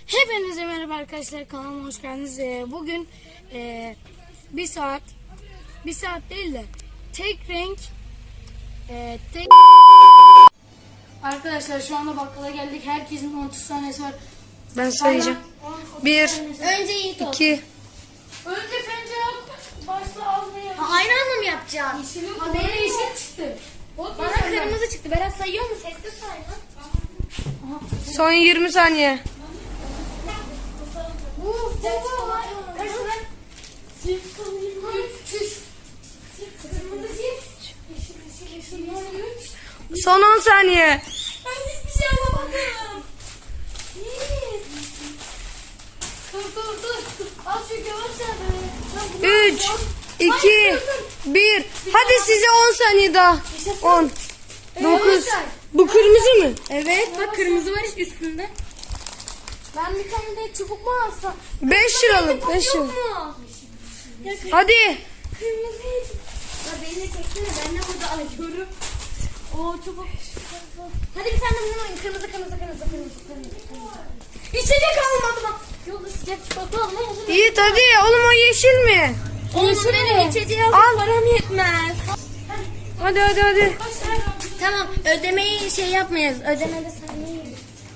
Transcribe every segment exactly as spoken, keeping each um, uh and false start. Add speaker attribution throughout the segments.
Speaker 1: Hepinize merhaba arkadaşlar, kanalıma hoş geldiniz. Ee, bugün e, bir saat bir saat değil de tek renk e, tek arkadaşlar şu anda bakkala geldik. Herkesin otuz tanesi var.
Speaker 2: Ben sayacağım. Bir,
Speaker 1: Önce Yiğit olsun.
Speaker 2: iki.
Speaker 1: Önce pencere başla almaya.
Speaker 3: Ha, aynı anda mı yapacağız?
Speaker 1: Yeşilim, ha, bana yeşil çıktı. Ot
Speaker 3: Bana
Speaker 1: yeşil.
Speaker 3: kırmızı çıktı. Berat sayıyor mu? Sesli say lan.
Speaker 2: Son yirmi saniye.
Speaker 1: Bu bu var. Kaç lan? Cips üç. Kırmızı cips. Yeşil yeşil yeşil üç.
Speaker 2: Son on saniye.
Speaker 1: Ben hiçbir şey alamadım. Dur dur dur. Az şu yavaş yavaş.
Speaker 2: Üç, iki, bir. Hadi size on saniye daha. On, dokuz. Bu kırmızı mı?
Speaker 3: Evet bak kırmızı var üstünde. Ben bir tane de çubuk mu alsam?
Speaker 2: Beş liralık, beş
Speaker 3: Yok
Speaker 2: liralık.
Speaker 3: mu?
Speaker 2: Hadi.
Speaker 3: Kırmızı. Ya beni de çeksene. Ben de burada alıyorum. Oo çubuk. Hadi bir tane bundan oynayın. Kırmızı kırmızı kırmızı kırmızı kırmızı. kırmızı. İçecek almadım bak. Yolda sıcak çikolata alma olur.
Speaker 2: Yiğit hadi. Oğlum o yeşil mi?
Speaker 3: Oğlum benim içeceği alacak
Speaker 2: Al.
Speaker 3: param yetmez.
Speaker 2: Hadi hadi hadi.
Speaker 3: Tamam ödemeyi şey yapmayız. Ödemede saniye.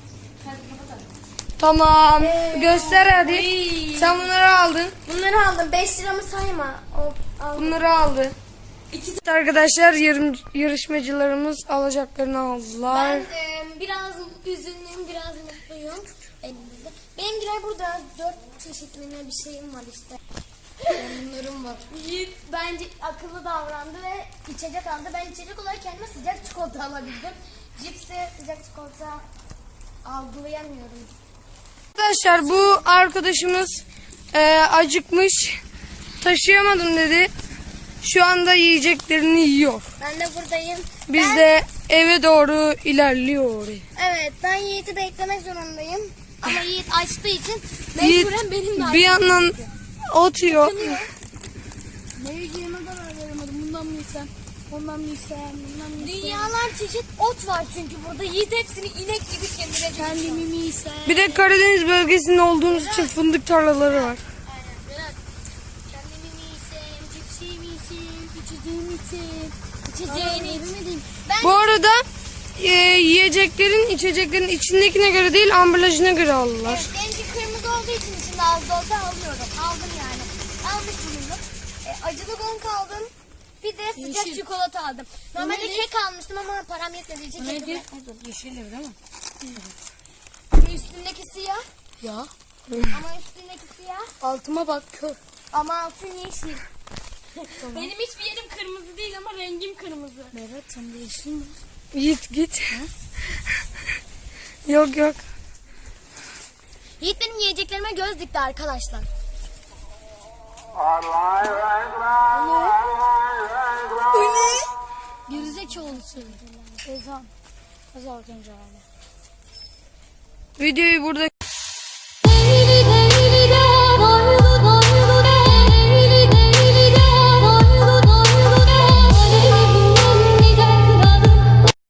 Speaker 2: Tamam. Göster hadi. Sen bunları aldın.
Speaker 3: Bunları aldım. beş liramı sayma. O, al.
Speaker 2: Bunları aldı. İki arkadaşlar yarım, yarışmacılarımız alacaklarını aldılar.
Speaker 3: Ben e, biraz üzünlüyüm, biraz mutluyum. Elimizde. Benimkiler burada. Dört çeşitli bir şeyim var işte. Bunlarım var. Yiğit bence akıllı davrandı ve içecek aldı. Ben içecek olarak kendime sıcak çikolata alabildim. Cipse sıcak çikolata algılayamıyorum.
Speaker 2: Arkadaşlar bu arkadaşımız e, acıkmış, taşıyamadım dedi. Şu anda yiyeceklerini yiyor.
Speaker 3: Ben de buradayım.
Speaker 2: Biz
Speaker 3: Ben-
Speaker 2: de eve doğru ilerliyor.
Speaker 3: Evet ben Yiğit'i beklemek zorundayım. Ama Yiğit açtığı için
Speaker 2: Yiğit
Speaker 3: mecburen benim de
Speaker 2: bir yandan otuyor.
Speaker 1: Ne yiyeceğime karar veremedim. Bundan mı yesem? Ondan mı yesem? Bundan mı yesem?
Speaker 3: Dünyalar çeşit ot var çünkü burada. Yiğit hepsini inek gibi kemirecek.
Speaker 1: Kendimi mi yesem?
Speaker 2: Bir de Karadeniz bölgesinde olduğumuz için fındık tarlaları var.
Speaker 3: Aynen. Berat. Kendimi mi yiysem, cipsi mi yiysem, içeceğimi içeyim. İçeceğini içeyim. Ben
Speaker 2: Bu arada e, yiyeceklerin, içeceklerin içindekine göre değil, ambalajına göre aldılar.
Speaker 3: evet, benimki kırmızı olduğu için içinde az da olsa alıyorum. Aldım yani. Almış bulundum. E, acılı gong aldım. Bir de sıcak
Speaker 1: Yeşil.
Speaker 3: çikolata aldım. Normalde
Speaker 1: neydi?
Speaker 3: kek almıştım ama param yetmediği için kek
Speaker 1: Neydi?
Speaker 3: bırakmadım.
Speaker 1: Yeşil değil mi?
Speaker 3: Ve üstündeki siyah.
Speaker 1: Ya.
Speaker 3: Ama üstündeki siyah.
Speaker 1: Altıma bak kör.
Speaker 3: Ama altın yeşil. Benim hiçbir yerim kırmızı değil ama rengim kırmızı.
Speaker 1: Berat sende yeşil mi?
Speaker 2: Git git. Yok yok.
Speaker 3: Yiğit benim yiyeceklerime göz dikti arkadaşlar.
Speaker 1: Gerizekalı söyledi. Ezan. Az önce abi.
Speaker 2: Videoyu burada